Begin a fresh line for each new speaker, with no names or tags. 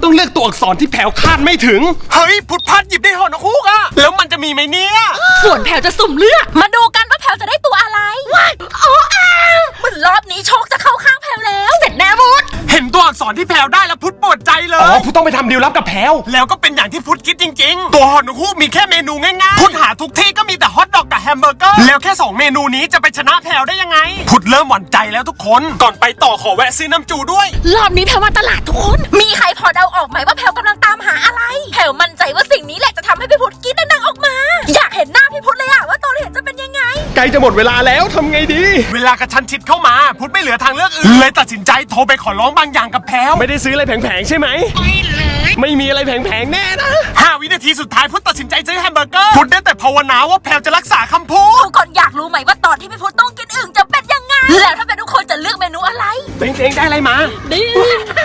ต้องเลือกตัวอักษรที่แผวคาดไม่ถึงเฮ้ยพุทธพัดหยิบได้หอนคุกอะแล้วมันจะมีไหมเนี่ย
ส่วนแผวจะสุ่มเลือกมาดูกันว่าแผวจะได้ตัวอะไรโอ้อ้าวมันรอบนี้โชคจะเข้าข้างแผวแล้วเสร็จแน่พุทธ
เห็นตัวอักษรที่แผวได้แล้วพุทธปวดใจเลยอ๋อพุทธต้องไปทำดีลลับกับแผวแล้วก็เป็นอย่างที่พุทธคิดจริงๆตัวหอนคุกมีแค่เมนูง่ายๆพุทธหาทุกที่ก็มีแต่ฮอทดอกกับแฮมเบอร์เกอร์แล้วแค่2เมนูนี้จะไปชนะแผวได้ยังไงพุทธเริ่มหวั่นใจแล้วทุกคนก่อนไปต่อขอแวะซื้อน้ำจูด้วย
รอบนี้แผวมาตลาดทุกคนมีใครพอเดาออกไหมว่าแผวกำลังตามหาอะไรแผวมั่นใจว่าสิ่งนี้แหละจะทำให้พี่พุทธกรี๊ดดังๆออกมาอยากเห็นหน้าพี่พุทธเลยอะว่าตอนเห็นจะเป็นยังไง
ใกล้จะหมดเวลาแล้วทำไงดีเวลากระชั้นชิดเข้ามาพุทธไม่เหลือทางเลือกอื่นเลยตัดสินใจโทรไปขอร้องบางอย่างกับแพลวไม่ได้ซื้ออะไรแผงๆใช่ไหมไม่เลยไม่มีอะไรแผงๆแน่นะ5 วินาทีสุดท้ายพุทธตัดสินใจซื้อแฮมเบอร์เกอร์พุทธได้แต่ภาวนาว่าแพลวจะรักษาคำพูด
ทุกคนอยากรู้ไหมว่าตอนที่พี่พุทธต้องกินอึ่งจะเป็นยังไงแล้วถ้าเป็นทุกคนจะเลือกเมนูอะไร
เต็งได้อะไรมาดี